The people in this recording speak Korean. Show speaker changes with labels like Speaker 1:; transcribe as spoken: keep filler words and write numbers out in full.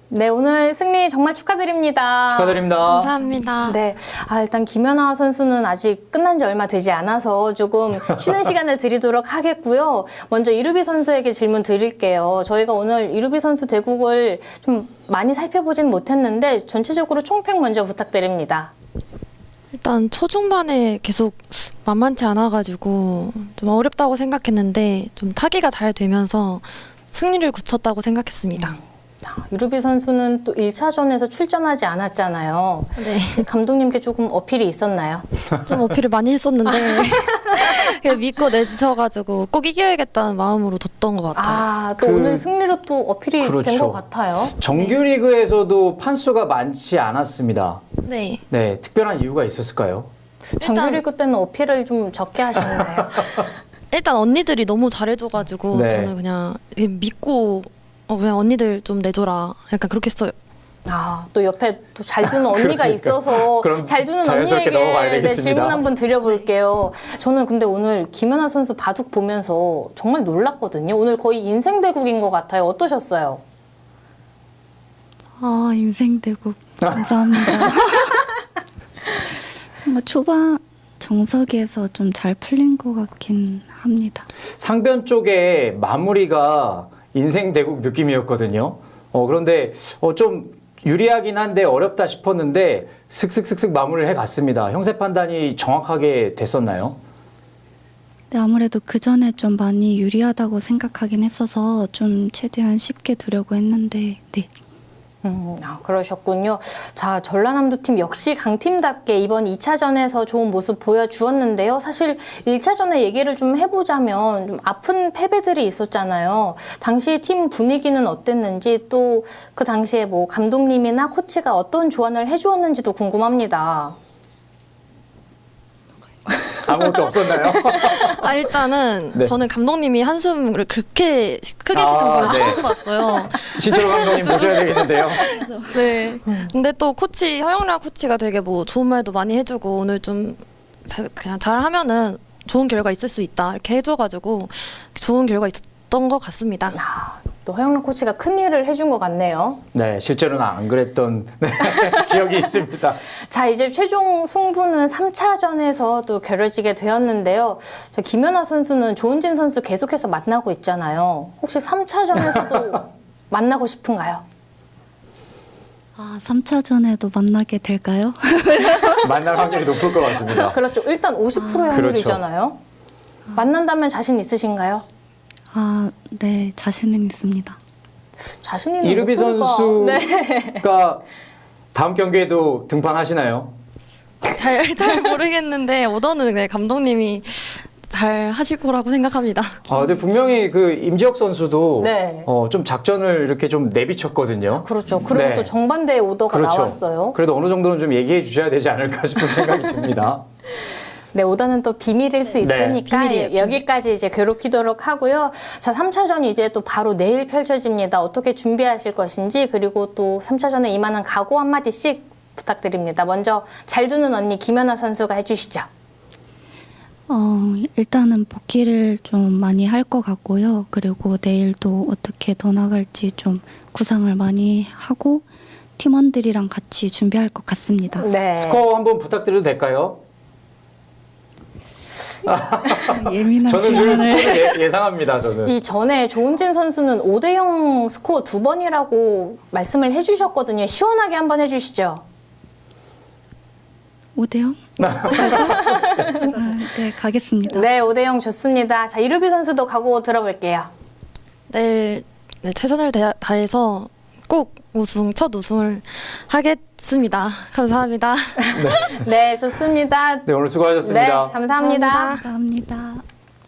Speaker 1: 네, 오늘 승리 정말 축하드립니다.
Speaker 2: 축하드립니다.
Speaker 3: 감사합니다.
Speaker 1: 네, 아, 일단 김연아 선수는 아직 끝난 지 얼마 되지 않아서 조금 쉬는 시간을 드리도록 하겠고요. 먼저 이루비 선수에게 질문 드릴게요. 저희가 오늘 이루비 선수 대국을 좀 많이 살펴보진 못했는데 전체적으로 총평 먼저 부탁드립니다.
Speaker 3: 일단 초중반에 계속 만만치 않아가지고 좀 어렵다고 생각했는데 좀 타기가 잘 되면서 승리를 굳혔다고 생각했습니다.
Speaker 1: 이루비 선수는 또 일 차전에서 출전하지 않았잖아요.
Speaker 3: 네.
Speaker 1: 감독님께 조금 어필이 있었나요?
Speaker 3: 좀 어필을 많이 했었는데 그냥 믿고 내주셔가지고 꼭 이겨야겠다는 마음으로 뒀던 것 같아요.
Speaker 1: 아, 또
Speaker 2: 그-
Speaker 1: 오늘 승리로 또 어필이 된
Speaker 2: 그렇죠.
Speaker 1: 것 같아요.
Speaker 2: 정규리그에서도 판수가 많지 않았습니다.
Speaker 3: 네.
Speaker 2: 네, 특별한 이유가 있었을까요?
Speaker 1: 정규리그 때는 어필을 좀 적게 하셨나요?
Speaker 3: 일단 언니들이 너무 잘해줘가지고
Speaker 2: 네.
Speaker 3: 저는 그냥 믿고 어, 그냥 언니들 좀 내줘라 약간 그렇게 했어요.
Speaker 1: 아, 또 옆에 또 잘 두는 언니가 있어서
Speaker 2: 그럼
Speaker 1: 잘 두는
Speaker 2: 자연스럽게 넘어가야
Speaker 1: 언니에게 네,
Speaker 2: 되겠습니다.
Speaker 1: 질문 한번 드려볼게요. 저는 근데 오늘 김연아 선수 바둑 보면서 정말 놀랐거든요. 오늘 거의 인생 대국인 것 같아요. 어떠셨어요?
Speaker 4: 아, 인생대국 감사합니다. 뭔가 초반 정석에서 좀 잘 풀린 것 같긴 합니다.
Speaker 2: 상변 쪽에 마무리가 인생 대국 느낌이었거든요. 어, 그런데 어, 좀 유리하긴 한데 어렵다 싶었는데 슥슥슥슥 마무리를 해갔습니다. 형세 판단이 정확하게 됐었나요?
Speaker 4: 네, 아무래도 그 전에 좀 많이 유리하다고 생각하긴 했어서 좀 최대한 쉽게 두려고 했는데, 네.
Speaker 1: 음, 아, 그러셨군요. 자, 전라남도 팀 역시 강팀답게 이번 이 차전에서 좋은 모습 보여주었는데요. 사실 일 차전의 얘기를 좀 해보자면 좀 아픈 패배들이 있었잖아요. 당시 팀 분위기는 어땠는지 또 그 당시에 뭐 감독님이나 코치가 어떤 조언을 해주었는지도 궁금합니다.
Speaker 2: 아무것도 없었나요?
Speaker 3: 아 일단은
Speaker 2: 네.
Speaker 3: 저는 감독님이 한숨을 그렇게 크게 쉬는
Speaker 2: 아,
Speaker 3: 걸
Speaker 2: 네.
Speaker 3: 처음 봤어요.
Speaker 2: 진철호 감독님 모셔야 되겠는데요.
Speaker 3: 네. 근데 또 코치 허영란 코치가 되게 뭐 좋은 말도 많이 해주고 오늘 좀 잘, 그냥 잘 하면은 좋은 결과 있을 수 있다 이렇게 해줘가지고 좋은 결과 있었던 것 같습니다.
Speaker 1: 아, 또 허영란 코치가 큰 일을 해준 것 같네요.
Speaker 2: 네, 실제로는 안 그랬던 네, 기억이 있습니다.
Speaker 1: 자, 이제 최종 승부는 삼 차전에서 또 겨뤄지게 되었는데요. 저 김연아 선수는 조은진 선수 계속해서 만나고 있잖아요. 혹시 삼 차전에서도 만나고 싶은가요?
Speaker 4: 아, 삼 차전에도 만나게 될까요?
Speaker 2: 만날 확률이 높을 것 같습니다.
Speaker 1: 그렇죠. 일단 오십 퍼센트의 확률이잖아요. 만난다면 자신 있으신가요?
Speaker 4: 아, 네, 자신은 있습니다.
Speaker 1: 자신 있는
Speaker 2: 이르비
Speaker 1: 목소리가- 네.
Speaker 2: 선수가 다음 경기에도 등판하시나요?
Speaker 3: 잘, 잘 모르겠는데 오더는 네, 감독님이 잘 하실 거라고 생각합니다.
Speaker 2: 아, 근데 분명히 그 임지혁 선수도
Speaker 1: 네.
Speaker 2: 어, 좀 작전을 이렇게 좀 내비쳤거든요.
Speaker 1: 그렇죠. 그리고
Speaker 2: 네.
Speaker 1: 또 정반대의 오더가
Speaker 2: 그렇죠.
Speaker 1: 나왔어요.
Speaker 2: 그래도 어느 정도는 좀 얘기해 주셔야 되지 않을까 싶은 생각이 듭니다.
Speaker 1: 네, 오더는 또 비밀일 수
Speaker 2: 네.
Speaker 1: 있으니까
Speaker 3: 비밀이에요, 비밀.
Speaker 1: 여기까지 이제 괴롭히도록 하고요. 자, 삼 차전이 이제 또 바로 내일 펼쳐집니다. 어떻게 준비하실 것인지 그리고 또 삼 차전에 임하는 각오 한마디씩 부탁드립니다. 먼저 잘 두는 언니 김연아 선수가 해주시죠.
Speaker 4: 어, 일단은 복귀를 좀 많이 할 것 같고요. 그리고 내일도 어떻게 더 나갈지 좀 구상을 많이 하고 팀원들이랑 같이 준비할 것 같습니다.
Speaker 1: 네.
Speaker 2: 스코어 한번 부탁드려도 될까요?
Speaker 4: 예민한
Speaker 2: 저는 늘
Speaker 4: 질문을.
Speaker 2: 스코어를 예, 예상합니다. 저는.
Speaker 1: 이 전에 조은진 선수는 오 대 영 스코어 두 번이라고 말씀을 해주셨거든요. 시원하게 한번 해주시죠.
Speaker 4: 오 대 영? 아, 네, 가겠습니다.
Speaker 1: 네, 오 대 영 좋습니다. 자, 이루비 선수도 각오 들어볼게요.
Speaker 3: 내일 네, 최선을 다- 다해서 꼭 우승, 첫 우승을 하겠습니다. 감사합니다.
Speaker 1: 네, 좋습니다.
Speaker 2: 네, 오늘 수고하셨습니다.
Speaker 1: 네, 감사합니다.
Speaker 3: 감사합니다.
Speaker 4: 감사합니다.